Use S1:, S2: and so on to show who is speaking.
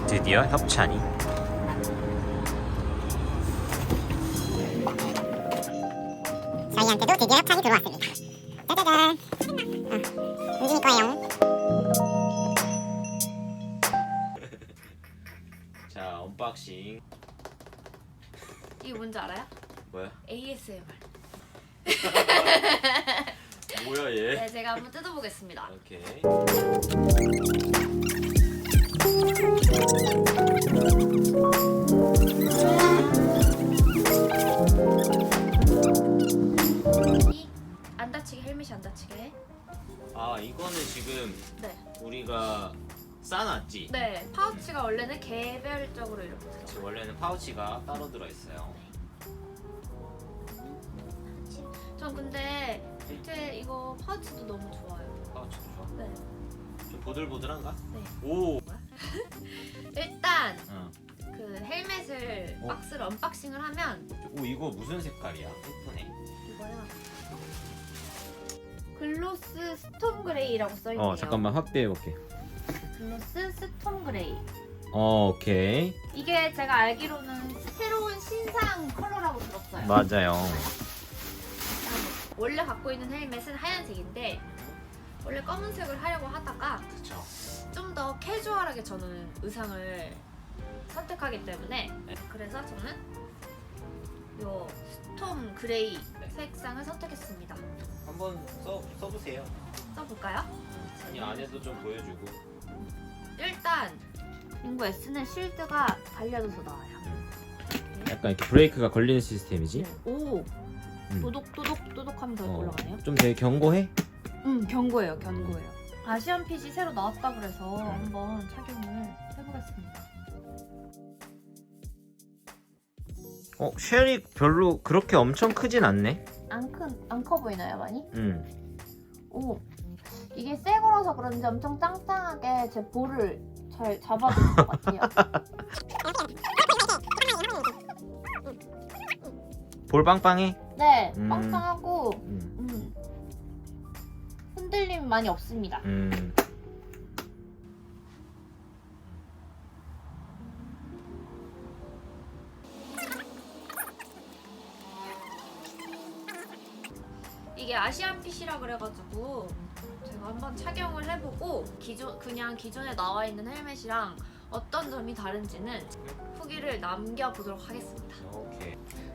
S1: 드디어 협찬이.
S2: 저희한테도 드디어 협찬이 들어왔습니다. 짜자잔. 움직일 거예요.
S1: 자, 언박싱.
S3: 이게 뭔지 알아요?
S1: 뭐야?
S3: ASMR.
S1: 뭐야 얘?
S3: 네, 제가 한번 뜯어보겠습니다.
S1: 오케이.
S3: 이 안 다치게, 헬멧이 안 다치게.
S1: 아, 이거는 지금
S3: 네.
S1: 우리가 싸놨지?
S3: 네, 파우치가 원래는 개별적으로 이렇게 들어가요.
S1: 지금 원래는 파우치가 따로 들어있어요.
S3: 전 근데 밑에 이거 파우치도 너무 좋아요.
S1: 파우치도 좋아?
S3: 네.
S1: 좀 보들보들한가?
S3: 네.
S1: 오!
S3: 일단
S1: 어.
S3: 그 헬멧을
S1: 어?
S3: 박스를 언박싱을 하면
S1: 오, 이거 무슨 색깔이야? 예쁘네.
S3: 이거야. 글로스 스톰 그레이라고 써있네요.
S1: 잠깐만 확대해볼게.
S3: 글로스 스톰 그레이.
S1: 오케이.
S3: 이게 제가 알기로는 새로운 신상 컬러라고 들었어요.
S1: 맞아요.
S3: 원래 갖고 있는 헬멧은 하얀색인데 원래 검은색을 하려고 하다가
S1: 그쵸.
S3: 좀 더 캐주얼하게 저는 의상을 선택하기 때문에 그래서 저는 요 스톰 그레이
S1: 네.
S3: 색상을 선택했습니다.
S1: 한번 써보세요.
S3: 써볼까요?
S1: 아니, 안에도 좀 보여주고.
S3: 일단 링고 S는 실드가 달려져서 나와요.
S1: 약간 이렇게 브레이크가 걸리는 시스템이지?
S3: 오!
S1: 음.
S3: 도독도독 하면 더
S1: 어,
S3: 올라가네요.
S1: 좀 되게 견고해?
S3: 견고해요, 견고해요. 아시안 핏이 새로 나왔다 그래서 한번 착용을 해보겠습니다.
S1: 쉘이 별로 그렇게 엄청 크진 않네.
S3: 안 커 보이나요, 많이? 오, 이게 새 거라서 그런지 엄청 짱짱하게 제 볼을 잘 잡아주는 것 같아요.
S1: 볼 빵빵해?
S3: 네,
S1: 음.
S3: 빵빵하고
S1: 음.
S3: 흔들림 많이 없습니다. 이게 아시안 핏이라 그래가지고 제가 한번 착용을 해보고 그냥 기존에 나와 있는 헬멧이랑 어떤 점이 다른지는 후기를 남겨보도록 하겠습니다.
S1: 오케이.